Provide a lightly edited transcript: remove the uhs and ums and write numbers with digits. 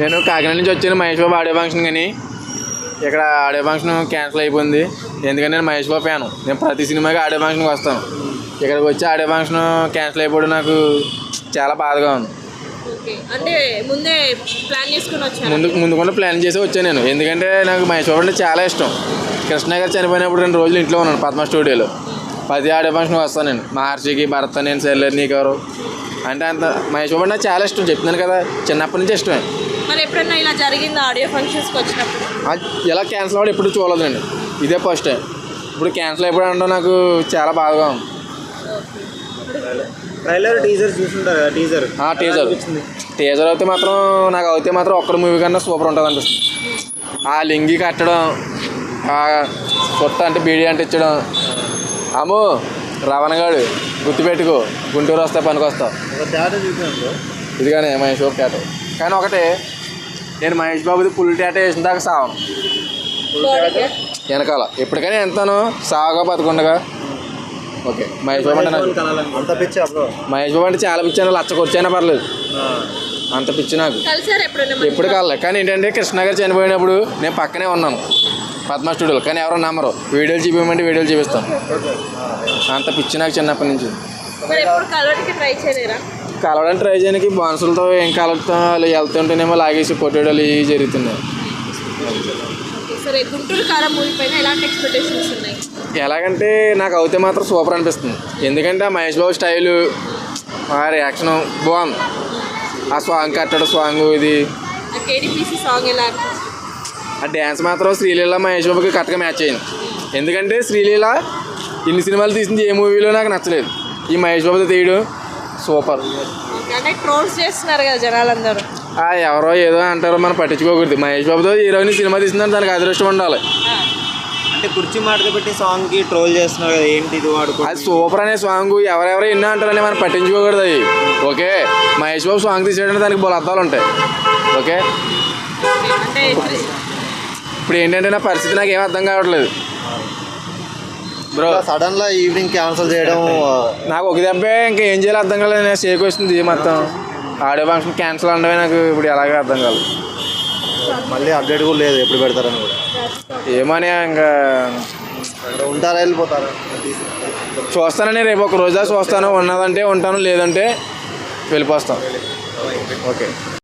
నేను కాకినాడ నుంచి వచ్చాను మహేష్ బాబు ఆడియో ఫంక్షన్, కానీ ఇక్కడ ఆడియో ఫంక్షన్ క్యాన్సిల్ అయిపోయింది. ఎందుకంటే నేను మహేష్ బాబు ఫ్యాను. నేను ప్రతి సినిమాకి ఆడియో ఫంక్షన్కి వస్తాను. ఇక్కడికి వచ్చి ఆడియో ఫంక్షన్ క్యాన్సిల్ అయిపోవడం నాకు చాలా బాధగా ఉంది. అంటే ముందుకుండా ప్లాన్ చేసి వచ్చాను నేను. ఎందుకంటే నాకు మహేష్ బాబు అంటే చాలా ఇష్టం. కృష్ణ గారు చనిపోయినప్పుడు 2 రోజులు ఇంట్లో ఉన్నాను పద్మ స్టూడియోలో. 10 ఆడియో ఫంక్షన్కి వస్తాను నేను. మహర్షికి, భరత్, నేను, సెల్లర్, నీకెవరు అంటే అంత మహేష్ బాబు నాకు చాలా ఇష్టం. చెప్తున్నాను కదా, చిన్నప్పటి నుంచి ఇష్టమే. మరి ఎప్పుడన్నా ఇలా జరిగిందా ఆడియో ఫంక్షన్స్కి వచ్చినప్పుడు? ఇలా క్యాన్సిల్ అవ్వడం ఎప్పుడు చూడలేదు నేను, ఇదే ఫస్ట్ టైం. ఇప్పుడు క్యాన్సిల్ అయిపోవడం అంటే నాకు చాలా బాధగా ఉంది. టీజర్ అయితే మాత్రం ఒక్కడ మూవీ కన్నా సూపర్ ఉంటుంది అనిపిస్తుంది. ఆ లింగి కట్టడం, ఆ కొత్త అంటే బీడీ అంటే ఇచ్చడం, అమ్మో రవణగాడు గుర్తుపెట్టుకో, గుంటూరు వస్తే పనికి వస్తావు. ఇది కానీ మహేష్ బాబు టాటో. కానీ ఒకటే, నేను మహేష్ బాబుది ఫుల్ టాటో వేసిన దాకా సావను. వెనకాల ఎప్పటికైనా ఎంతను సావగా బతుకుండగా. ఓకే, మహేష్ బాబు అంటే మహేష్ బాబు అంటే చాలా పిచ్చి. లచ్చ ఖర్చైనా పర్లేదు, అంత పిచ్చి నాకు. ఎప్పుడు కాలే. కానీ ఏంటంటే కృష్ణ గారు చనిపోయినప్పుడు నేను పక్కనే ఉన్నాను పద్మ స్టూడియోలో. కానీ ఎవరో నమ్మరు. వీడియోలు చూపించమంటే వీడియోలు చూపిస్తాను. అంత పిచ్చి నాకు చిన్నప్పటి నుంచి. కలవడానికి ట్రై చేయడానికి బాన్సులతో ఏం కలుగుతాం, వాళ్ళు వెళ్తుంటేనేమో లాగేసి పొట్టేడలు ఇవి జరుగుతున్నాయి. ఎలాగంటే నాకు అయితే మాత్రం సూపర్ అనిపిస్తుంది. ఎందుకంటే ఆ మహేష్ బాబు స్టైలు, ఆ రియాక్షన్ బాగుంది. ఆ సాంగ్ కట్టడం, సాంగ్ ఇది ఆ డ్యాన్స్ మాత్రం శ్రీలీల మహేష్ బాబుకి కరెక్ట్గా మ్యాచ్ అయింది. ఎందుకంటే శ్రీలీల ఇన్ని సినిమాలు తీసింది ఏ మూవీలో నాకు నచ్చలేదు. ఈ మహేష్ బాబుతో తీయడం సూపర్. చేస్తున్నారు కదా జనాలందరూ, ఎవరో ఏదో అంటారో మనం పట్టించుకోకూడదు. మహేష్ బాబుతో హీరోయిన్ సినిమా తీసిందని దానికి అదృష్టం ఉండాలి. అంటే కుర్చీ మాట పెట్టి సాంగ్కి ట్రోల్ చేస్తున్నారు కదా, ఏంటి ఇది వాడుకో. అది సూపర్ అనే సాంగ్ ఎవరెవరో ఎన్నో అంటారని మనం పట్టించుకోకూడదు. అది ఓకే, మహేష్ బాబు సాంగ్ తీసేయడానికి దానికి బోల అర్థాలు ఉంటాయి. ఓకే, ఇప్పుడు ఏంటంటే నా పరిస్థితి నాకు ఏం అర్థం కావట్లేదు బ్రో. సడన్గా ఈవినింగ్ క్యాన్సిల్ చేయడం నాకు ఒక దెబ్బే, ఇంకా ఏం చేయాలో అర్థం కాలేదు. నేను షేక్ వస్తుంది మొత్తం. ఆడియో ఫంక్షన్ క్యాన్సిల్ అనడమే నాకు ఇప్పుడు ఎలాగే అర్థం కాలేదు. మళ్ళీ అప్డేట్ కూడా లేదు ఎప్పుడు పెడతారని కూడా. ఏమని ఇంకా ఉంటారా, వెళ్ళిపోతారా? చూస్తానని రేపు ఒక రోజా చూస్తాను. ఉన్నదంటే ఉంటాను, లేదంటే వెళ్ళిపోస్తాను. ఓకే.